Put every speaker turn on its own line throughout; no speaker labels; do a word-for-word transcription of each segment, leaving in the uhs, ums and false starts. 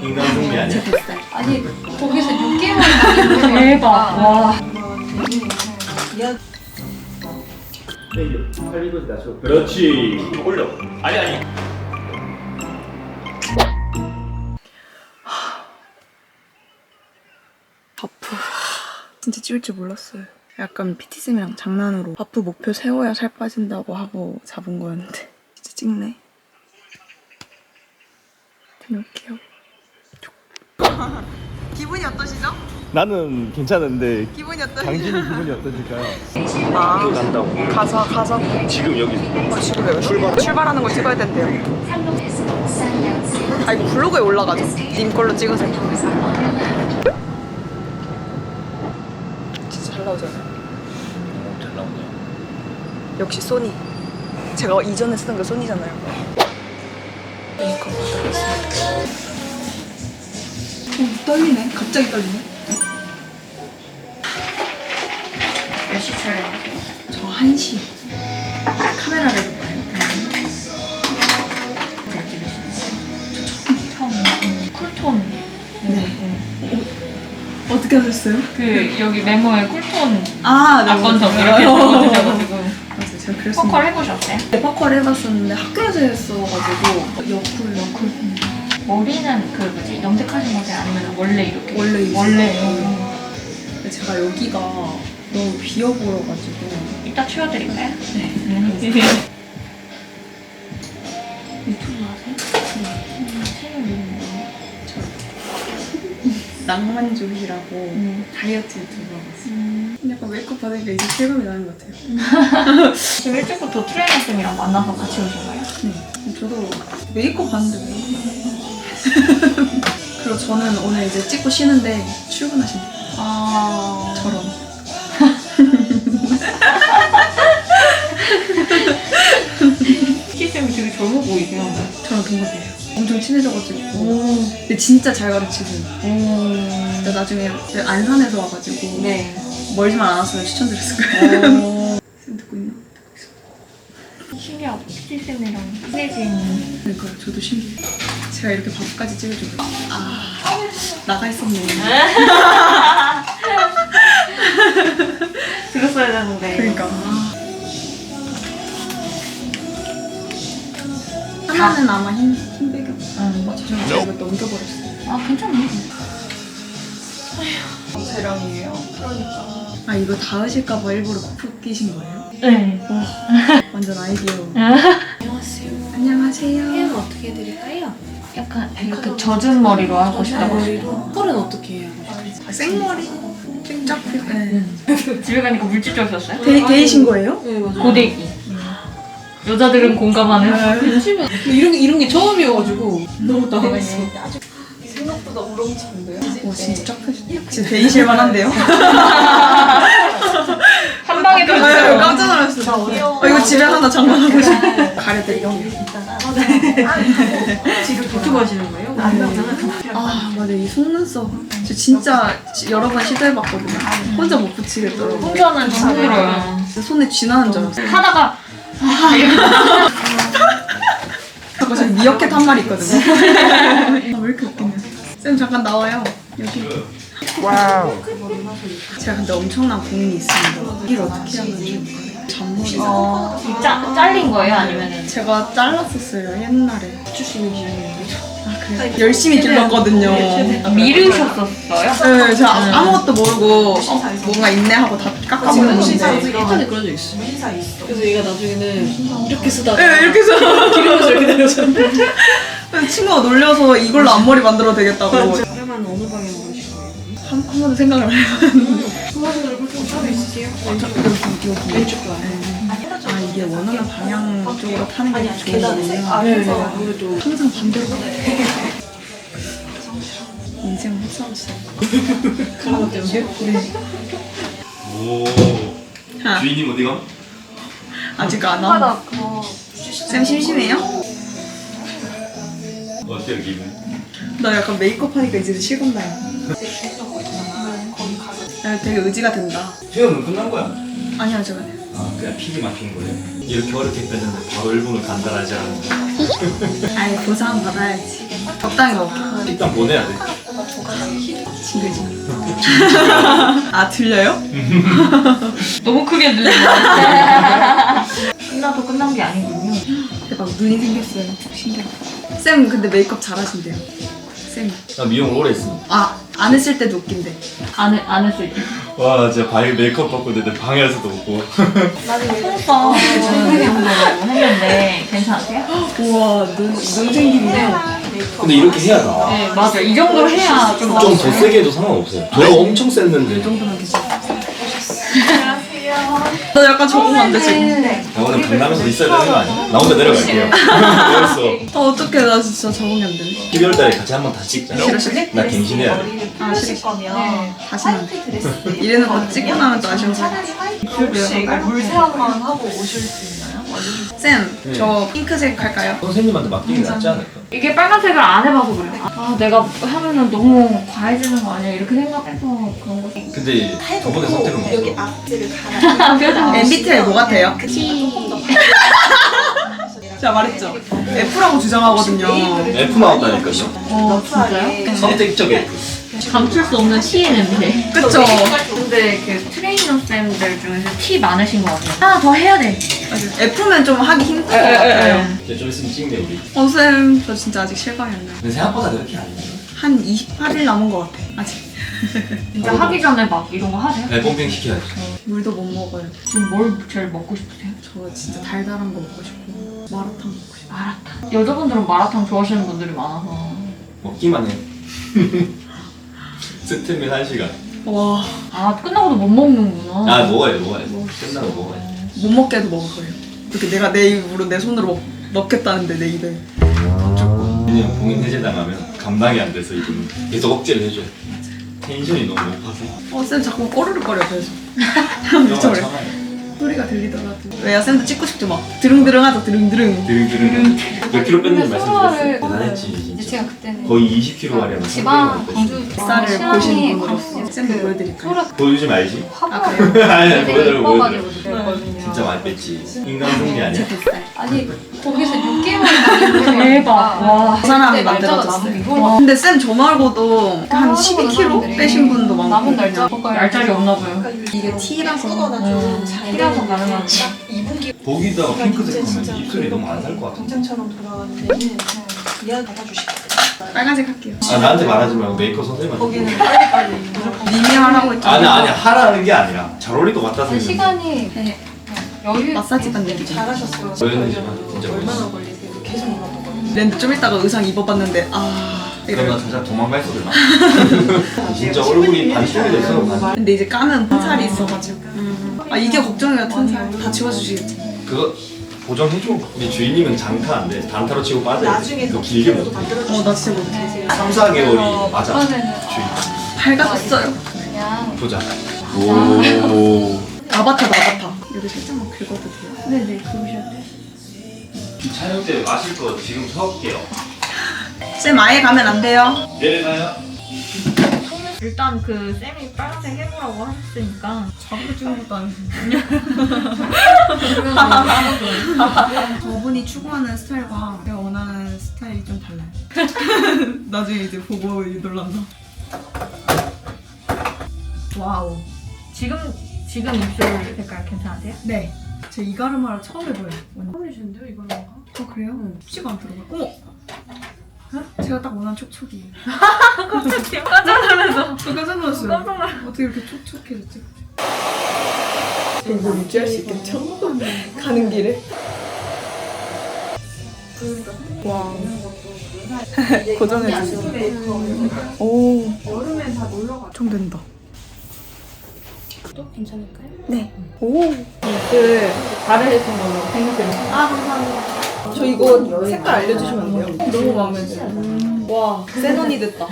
인간 승리 아니야?
아니 거기서 육 개월을
대박. 와.
팔리고지 낮춰. 그렇지. 올려. 아니 아니.
바프 진짜 찍을 줄 몰랐어요. 약간 피티쌤이랑 장난으로 바프 목표 세워야 살 빠진다고 하고 잡은 거였는데 진짜 찍네. 다녀올게요. 기분이 어떠시죠?
나는 괜찮은데
기분이 어떠시죠?
당신이 기분이 어떠실까요?
아,
간다고.
가서 가서
지금 여기서.
어, 지금 왜 출발 출발하는 걸 찍어야 된대요. 아 이거 블로그에 올라가죠. 님 걸로 찍으세요. 진짜 잘 나오잖아요.
오, 잘 나오네요.
역시 소니. 제가 이전에 쓰던 게 소니잖아요. 메이크업 받아봤습니다. 어, 떨리네. 갑자기 떨리네.
몇 시 촬영하세요?
저 한 시. 카메라를 해볼까요?
처음 쿨톤.
네. 어떻게 하셨어요?
그 여기 메모에 쿨톤
아, 네.
악건석 이렇게 적어주셔가지고
맞아요. 제가 그랬습니다.
퍼컬 해보셨어요?
네, 퍼컬 해봤었는데 학교에서 했어가지고 여쿨 여쿨
머리는 그 뭐지 염색하신 거세요? 아니면 원래 이렇게?
원래 있어요.
원래요.
근데 제가 여기가 너무 비어 보여가지고
이따 치워드릴까요?
네.
음.
유튜브
하세요? 네. 채널 이름이 뭐예요?
낭만주의라고
음.
다이어트 유튜브 하고 있어요.
음.
약간 메이크업 받으니까 이제 실감이 나는 것 같아요.
지금 일찍부터 트레이너 쌤이랑 만나서 같이 오신 거예요?
네. 저도 메이크업 봤는데 왜? 그리고 저는 오늘 이제 찍고 쉬는데 출근하신대요.
아...
저런.
키쌤이 되게 젊어 보이세요.
저랑 동갑이에요. 엄청 친해져가지고.
오.
근데 진짜 잘 가르치고.
오.
근데 나중에 안산에서 와가지고
네.
멀지만 않았으면 추천드렸을 거예요.
오.
쌤 듣고 있나?
신기하다. 키쌤이랑 친해진.
그러니까요. 저도 신기해요. 제가 이렇게 밥까지 찍어주고 아 나가 있었네.
들었어야 되는데.
그러니까. 하나는 아마 흰, 흰 배경.
응.
아, 죄송해요. 제가 이거 넘겨버렸어요.
아, 괜찮네.
재량이에요. 그러니까. 아, 이거 닿으실까봐 일부러 코프 끼신 거예요?
네.
와, 완전 아이디어.
안녕하세요.
안녕하세요.
헤어는 어떻게 해드릴까요?
약간 이렇게 젖은 머리로 하고 싶다고 하시더라고요.
펄은 어떻게 해요?
생머리? 쫙 네.
집에 가니까 물집 적셨어요?
데, 데이신 거예요?
네 맞아요.
고데기. 여자들은 공감하는.
요즘에 이런 게 이런 게 처음이어가지고 너무 당황했어.
생각보다 우렁찬데요? 와, 진짜 쫙 펴주네. 진짜 데이실 만한데요?
한 방에
아,
들어주세요.
깜짝 놀랐어요. 어, 이거 집에 하나 장만하고 싶어. 가려드릴게요.
지금 유튜브 하시는 거예요?
아, 맞아. 이 속눈썹. 저 진짜 여러 번 시도해봤거든요. 혼자 못 붙이겠더라고요.
혼자는 힘들어요.
손에 쥐나는 줄 알았어요.
하다가
잠깐 저기 미어캣 한 마리 있거든요. 아, 왜 이렇게 웃기냐. 쌤 잠깐 나와요. 여기. 와우. 제가 근데 엄청난 고민이 있습니다. 여기를 어떻게 하면 좋을까요? 잔머리.
어, 이 짜, 잘린 거예요? 아니면은?
제가 잘랐었어요, 옛날에.
주시는 기준이에요.
아, 그래요? 열심히 길렀거든요.
아, 미르셨었어요?
네, 제가 아- 아무것도 모르고 어, 뭔가 있네 하고 다 깎아버렸는데.
예전에 그런 적 있어. 그래서 얘가 나중에는 이렇게 쓰다가
네, 이렇게 해서
기르면서 이렇게 다녔었는데.
친구가 놀려서 이걸로 앞머리 만들어도 되겠다고. 한,
그러면 어느 방향으로 하실 거예요?
한 번도 생각을 안 해봤는데.
좋아하시는 얼굴 좀 따로 있으세요?
왼쪽, 여기, 여기.
왼쪽 봐요.
아, 이게 원하는 방향 쪽으로 타는 게 좋은 거군요.
아, 그래서 아무래도
항상 반대로 인생 헛살았어요.
그런 것 때문에?
네.
오.
아,
주인님 어디가?
아직 안 와. 쌤 심심해요?
어때요 기분?
나 약간 메이크업 하니까 이제 실감나요. 나 되게 의지가 된다.
수영은 끝난 거야?
아니요, 제가.
아 그냥 픽이 막힌 거예요? 이렇게 어렵게 뺐는데 바로 일 분을 간단하지 않은 거.
아예 보상 받아야지. 적당히 먹게.
식단 보내야 돼.
징글징글. 아 들려요?
너무 크게 들리네. 끝나도 끝난 게 아니군요.
대박 눈이 생겼어요. 신기하다. 쌤 근데 메이크업 잘하신대요. 쌤.
나 미용을 오래 했으니까.
아안 했을 때도 웃긴데.
안, 해, 안 했을 때.
와 진짜 바이 메이크업 받고 내 방에서도 웃고.
속눈썹 정도 했는데 괜찮으세요?
우와 눈, 눈 생긴데.
근데 이렇게 해야 나.
네, 맞아. 이 정도로 해야 좀
좀 더 세게 해도 상관없어요. 저 엄청 셌는데.
이 정도면 괜찮아. 나 약간 적응 안 돼 지금.
나 오늘 강남에서 있어야 되는 거 아니야? 나 혼자 내려갈게요. 그랬어.
아 어떡해 나 진짜 적응이 안 되네.
십이월 달에 같이 한번 다 찍자.
싫으실래?
나 갱신해야 돼.
아 싫어. 다시는 안 돼. 이래는 거 찍고 나면 또 아쉬워서.
혹시 이거 물세안만 하고 오실 수 있나요?
쌤,
네.
저 핑크색 할까요?
선생님한테 맡기는 게 낫지 않을까?
이게 빨간색을 안 해봐서 그래요. 아, 내가 하면은 너무 과해지는 거 아니야? 이렇게 생각해서 그런 거.
근데 저번에 선택은
여기
없어.
앞뒤를 갈아.
표정.
엠비티아이 뭐 같아요? 제가 말했죠. F라고 주장하거든요.
F 나왔다니까요.
어, 진짜요?
선택적 F.
감출 수 없는 T의 냄새.
그쵸?
근데 그 트레이너 쌤들 중에서 T 많으신 것 같아요. 하나 더 해야 돼.
F면 좀 하기 힘들 것 같아요.
이제 좀 있으면 찍네 우리.
어, 쌤, 저 진짜 아직 실감이 안 나요.
근데 생각보다 그렇게 안 돼.
한 이십팔 일 남은 것 같아, 아직.
진짜 하기 전에 막 이런 거 하세요?
네, pom핑 시켜야지.
물도 못 먹어요.
지금 뭘 제일 먹고 싶으세요?
저 진짜 달달한 거 먹고 싶고, 마라탕 먹고 싶고.
마라탕. 여자분들은 마라탕 좋아하시는 분들이 많아서.
먹기만 해. 스팀일 한 시간.
와,
아, 끝나고도 못 먹는구나.
아 먹어야 돼 먹어야 돼. 끝나고 먹어야 돼.
못 먹게 해도 먹을 거예요. 이렇게 내가 내 입으로 내 손으로 먹, 넣겠다는데, 내 입에. 안 줬고.
왜냐면 봉인 해제당하면 감당이 안 돼서 이분은 계속 억제를 해줘요. 텐션이 너무 높아서.
어, 쌤 자꾸 꼬르륵거려, 그래서.
영화
미쳐버려.
참아요.
소리가 들리더라도. 왜야, 쌤도 찍고 싶죠, 막. 드릉드릉 하자, 드릉드릉.
드릉드릉. 몇 킬로 뺐는지
근데
말씀드렸어요.
소화를-
대단했지
이제
진짜.
제가 그때는
거의 이십 킬로 가량
지방 광주
쌀을
신랑이
보시는
광주
분으로서 쌤도 보여드릴까요?
소라
보여주지 말지.
아,
화보를
그래요?
아니
되게
보여드려 보여드려.
예뻐가지고 그랬거든요.
진짜 많이 뺐지. 인간 승리 아니야?
아니 거기서 육 개월
대박. 와.
그 사람이 만들어줬어요. 근데 쌤 저 말고도 한 십이 킬로그램 빼신 분도 많고.
남은 날짜
날짜리 없나 봐요.
이게 T라서.
좀 잘
T라서 가능한.
이 분기
거기다가 핑크색 하면 입술이 너무 안 살 것 같아.
동창처럼 돌아가는 데는 이해를 받아주시거든요.
빨간색 할게요.
아 나한테 말하지 말고 메이크업 선생님한테.
거기는 빨리빨리 무조건
님이 하라고 했죠.
아니 아니 하라는 게 아니라 잘 어울릴 것 같아서. 했는데.
시간이
네.
여유
마사지 받는 얘기죠.
잘하셨어요.
보였는지만 진짜
얼마나
멋있어.
걸리세요? 계속 물어보거든요.
랜드 좀 있다가 의상 입어봤는데 아
그럼 나
이래.
진짜 도망갈 소리 나. 진짜 얼굴이 반쪽이 됐어. 반.
근데 이제 까는 튼살이 있어가지고. 아 이게 걱정이야 튼살. 다 지워주시겠지.
그거 보정해줘. 우리 주인님은 장타 안 돼. 단타로 치고 빠져.
나중에
그 길게 못 해.
어 나 진짜 못해.
삼, 사 개월이 맞아.
이번에는
주인.
밝아졌어요.
그냥
보자. 오.
아바타다 아바타. 여기 살짝만 긁어도 돼요?
네네, 그러셔야 돼요.
촬영 때 마실 거 지금 사올게요.
쌤 아예 가면 안 돼요.
내려가요.
일단 그 쌤이 빨간색 해보라고 하셨으니까.
자기가 찍은 것도 아니고. 저분이 추구하는 스타일과 제가 원하는 스타일이 좀 달라요. 나중에 이제 보고 놀란다.
와우. 지금, 지금 입술 색깔 괜찮으세요?
네. 제 이가르마를 처음 해봐요. 완전.
처음이신데요 이거는?
어 그래요? 쉽지가 않더라고요. 어머! 어? 제가 딱 원하는 촉촉이에요.
지금 깜짝 놀라서.
저 깜짝 놀랐어요.
깜짝 놀랐어요.
어떻게 이렇게 촉촉해졌지? 이거 유지할 수 있겠죠? 가는 길에? 와. 고정해주세요. 오.
여름엔 다 놀러가.
좀 된다.
또 괜찮을까요?
네. 오.
그, 다르신 걸로 생각해요.
아, 감사합니다. 저 이거 색깔 알려주시면 안 돼요? 너무 마음에 들어요. 와, 센 언니 됐다.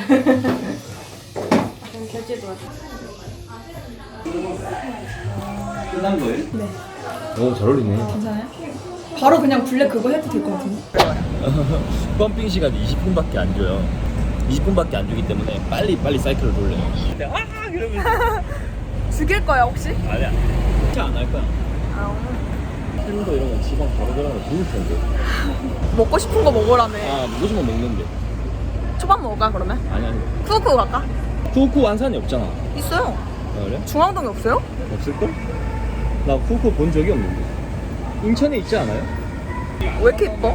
끝난 거예요?
네.
오, 잘 어울리네.
괜찮아요? 바로 그냥 블랙 그거 해도 될 것 같은데?
펌핑 시간이 이십 분밖에 안 줘요. 이십 분밖에 안 주기 때문에 빨리 빨리 사이클을 돌려요. 아 그러면
죽일 거야, 혹시?
아니야. 진짜 안 할 거야. 새로운 거 이런 거 지방 바로 들어가면 좋을 텐데.
먹고 싶은 거 먹으라며.
아 무조건 먹는데.
한번 먹을까 그러면?
아니 아니.
쿠쿠 갈까?
쿠쿠 안산이 없잖아.
있어요.
아, 그래?
중앙동에 없어요?
없을걸? 나 쿠쿠 본 적이 없는데. 인천에 있지 않아요?
왜 이렇게 예뻐?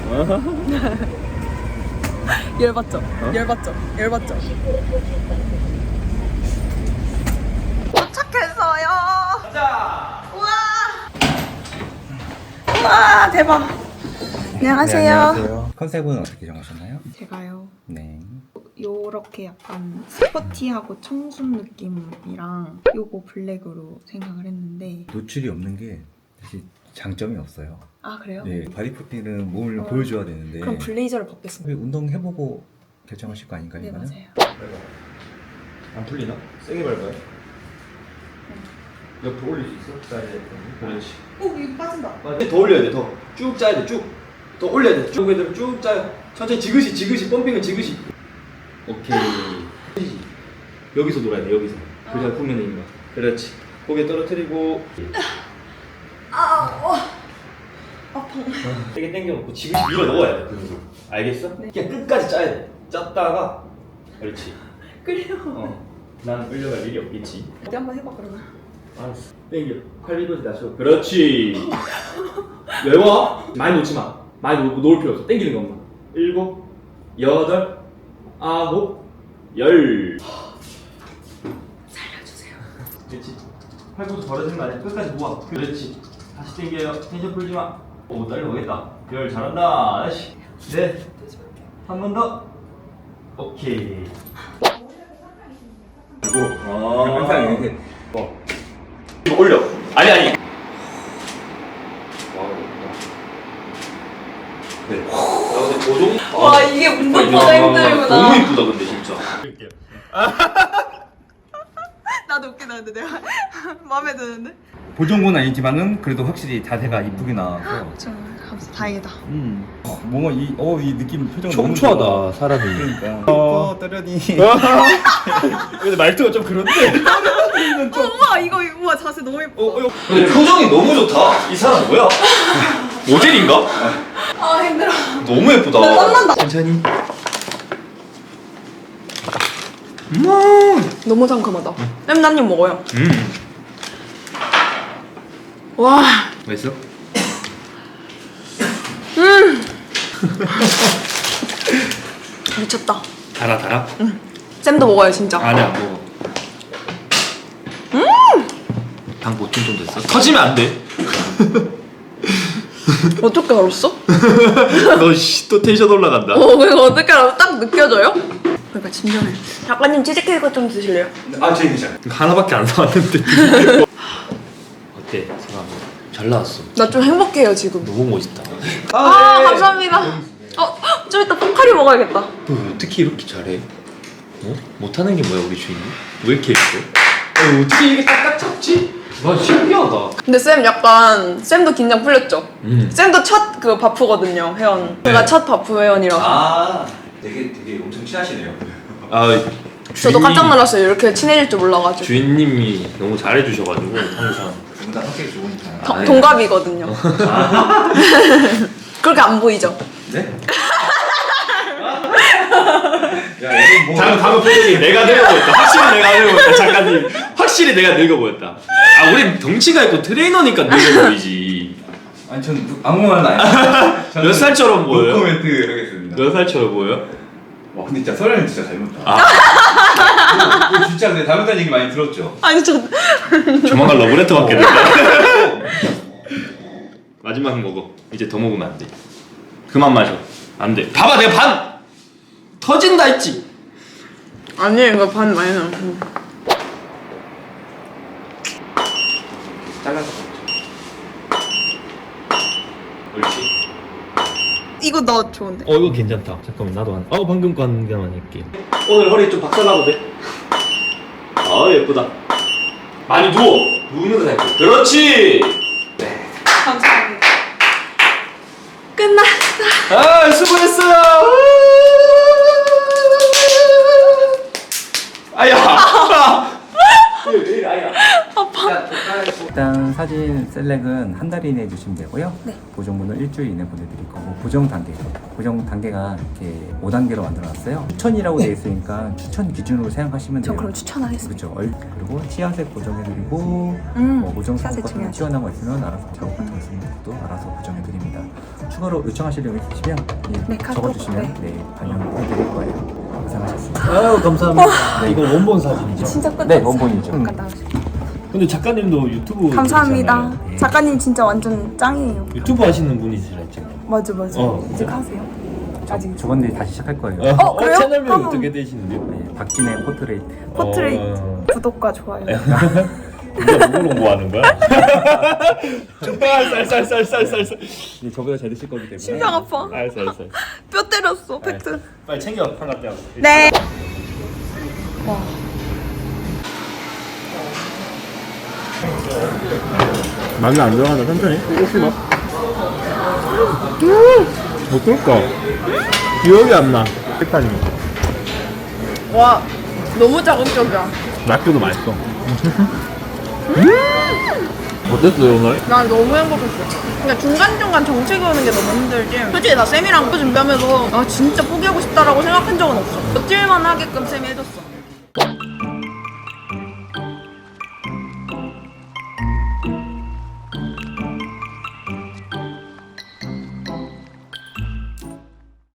열받죠?
어?
열받죠? 열받죠? 도착했어요. 가자. 우와. 우와 대박. 안녕하세요.
네, 안녕하세요. 컨셉은 어떻게 정하셨나요?
제가요.
네.
요렇게 약간 스포티하고 청순 느낌이랑 요거 블랙으로 생각을 했는데.
노출이 없는 게 사실 장점이 없어요.
아 그래요?
네, 바디프팅은 몸을
어.
보여줘야 되는데
그럼 블레이저를 벗겠습니다.
운동 해보고 결정하실 거 아닌가요?
네
이거는?
맞아요.
안 풀리나? 세게 밟아요. 옆으로 올릴 수 있어? 사이즈에. 그렇지.
오 이거 빠진다.
더 올려야 돼. 더 쭉 짜야 돼. 쭉. 더 올려야 돼. 쭉 애들 쭉 짜요. 천천히 지그시 지그시 펌핑은 지그시. 오케이. 여기서 놀아야 돼. 여기서. 그래야 후면에 있는 거. 그렇지. 고개 떨어뜨리고.
아 아파.
세게 당겨놓고 지그시 밀어 넣어야 돼. 그 알겠어? 그냥 끝까지 짜야 돼. 짰다가. 그렇지.
그래요.
어. 난 끌려갈 일이 없겠지.
어디 한번 해봐 그러면.
알았어. 당겨. 팔 비거지 낮춰. 그렇지. 외워. 많이 놓지 마. 많이 놓, 놓을 필요 없어. 당기는 것만. 일곱, 여덟, 아홉, 열.
살려주세요.
그렇지. 팔꿈치 벌어지는 거 아니야. 끝까지 모아. 그렇지. 다시 당겨요. 텐션 풀지 마. 오, 날려보겠다. 열 잘한다. 다시. 넷. 한 번 더. 오케이. 그리고 아.
항상 이렇게
어. 이거 올려. 아니 아니. 와. 네. 아 근데 조종.
와 이게 운동보다 힘들구나.
너무 이쁘다 근데 진짜.
나도 웃기다 근데 내가 마음에 드는데.
보정은 아니지만은 그래도 확실히 자세가 이쁘게 나와서
좀 감사 다행이다.
음. 어, 뭔가 이, 어, 이 느낌 표정 너무
청초하다
좋아.
사람이.
그러니까 어, 떠려니
근데 말투가 좀 그런데.
어, 우와 이거 우와 자세 너무 예뻐.
어, 어, 근데 표정이 너무 좋다. 이 사람 뭐야? 모델인가?
아 힘들어.
너무 예쁘다.
나 땀난다.
천천히.
너무 상큼하다. 쌤나님 먹어요.
음.
와.
맛있어?
미쳤다.
달아 달아?
쌤도 먹어요 진짜.
안에 안 먹어. 음! 방 보충 좀 됐어? 터지면 안 돼.
어떻게 알았어?
너또 텐션 올라간다.
어 그거 어떻게 알았어? 딱 느껴져요? 그러니까 진정해. 작가님 치즈케이크 좀 드실래요?
아, 제 괜찮아.
하나밖에 안 나왔는데. 어때? 상암 잘 나왔어.
나 좀 행복해요 지금.
너무 멋있다.
아, 감사합니다. 어, 좀 이따 포카리 먹어야겠다.
너 어떻게 이렇게 잘해? 어? 못하는 게 뭐야 우리 주인이? 왜 이렇게 예뻐? 어, 어떻게 이게 딱딱 잡지? 와 신기하다.
근데 쌤 약간 쌤도 긴장 풀렸죠?
음.
쌤도 첫 그 바프거든요 회원. 제가 첫 바프 회원이라서.
아, 되게 되게 엄청 친하시네요.
아
저도 깜짝 놀랐어요. 이렇게 친해질 줄 몰라가지고.
주인님이 너무 잘해주셔가지고 항상.
두 분 다 성격이 좋으니까.
동-
아이.
동갑이거든요. 그렇게 안 보이죠?
네? 야, 이건 뭐
방금 방금 표정이 내가 늙어 보였다. 확실히 내가 늙어 보였다. 작가님 확실히 내가 늙어 보였다. 아 우리 덩치가 있고 트레이너니까 늙어 보이지.
아니 전 아무 말도 안 했어요.
몇 살처럼 보여요?
노코멘트 이러겠습니다.
몇 살처럼 보여?
와 근데 진짜 설아는 진짜 닮았다.
아.
이거 진짜 근데 닮았다는 얘기 많이 들었죠?
아니 저
조만간 러브레터 받겠는데. 마지막 먹어. 이제 더 먹으면 안 돼. 그만 마셔. 안 돼. 봐봐 내가 반 터진다 했지.
아니 이거 반 많이 나.
잘라서 옳지.
이거 너 좋은데?
어 이거 괜찮다. 잠깐만 나도 한. 어 방금 거 한 개만 할게. 오늘 허리 좀 박살나도 돼? 아 예쁘다. 많이 누워. 누우는 거 잘. 그렇지.
감사합니다. 끝났어.
아 수고했어요. 아야. 왜 이래 아야.
일단 일단 사진 셀렉은 한 달 이내에 해주시면 되고요.
네.
보정문은 일주일 이내 보내드릴 거고 보정 단계, 보정 단계가 이렇게 오 단계로 만들어놨어요. 추천이라고 되어 있으니까 추천 기준으로 생각하시면 돼요.
저 그럼 추천하겠습니다.
그렇죠. 얼- 그리고 치아색 보정해드리고
음,
뭐 보정
치아색
작업 같은 거
중요하죠.
튀어나온 거 있으면 알아서 작업 같은 거 있으면 그것도 알아서 보정해드립니다. 추가로 요청하실 내용 있으시면 예,
네, 카톡,
적어주시면 네, 반영해드릴 거예요. 고생하셨습니다.
아유 감사합니다. 네, 이거 원본 사진이죠?
진짜 끝났어.
네, 원본이죠.
잠깐 나오세요.
근데 작가님도 유튜브
감사합니다.
그러시잖아요.
작가님 진짜 완전 짱이에요.
유튜브 하시는 분이시라 지금.
맞아 맞아.
어.
이제 가세요. 아직
저번 일 다시 시작할 거예요.
어,
그래요?
채널명이
그럼-
어떻게 되시는데요?
네, 박진의 포트레이트.
포트레이트
어...
구독과 좋아요.
누가 누구로 뭐 하는 거야? 쌀쌀쌀쌀쌀쌀.
네, 저보다 잘 드실 거기 때문에.
심장 아파.
알았어 알았어.
뼈 때렸어. 팩트.
빨리 챙겨 한갑 떼어.
네.
마늘 안 들어가나 천천히 혹시 막 어떨까 기억이 안나 색깔이
와 너무 자극적이야.
낙교도 맛있어 어땠어요 오늘?
난 너무 행복했어. 그러니까 중간중간 정체 그우는 게 너무 힘들지. 솔직히 나 쌤이랑 그 준비하면서 아 진짜 포기하고 싶다라고 생각한 적은 없어. 며칠만 하게끔 쌤이 해줬어.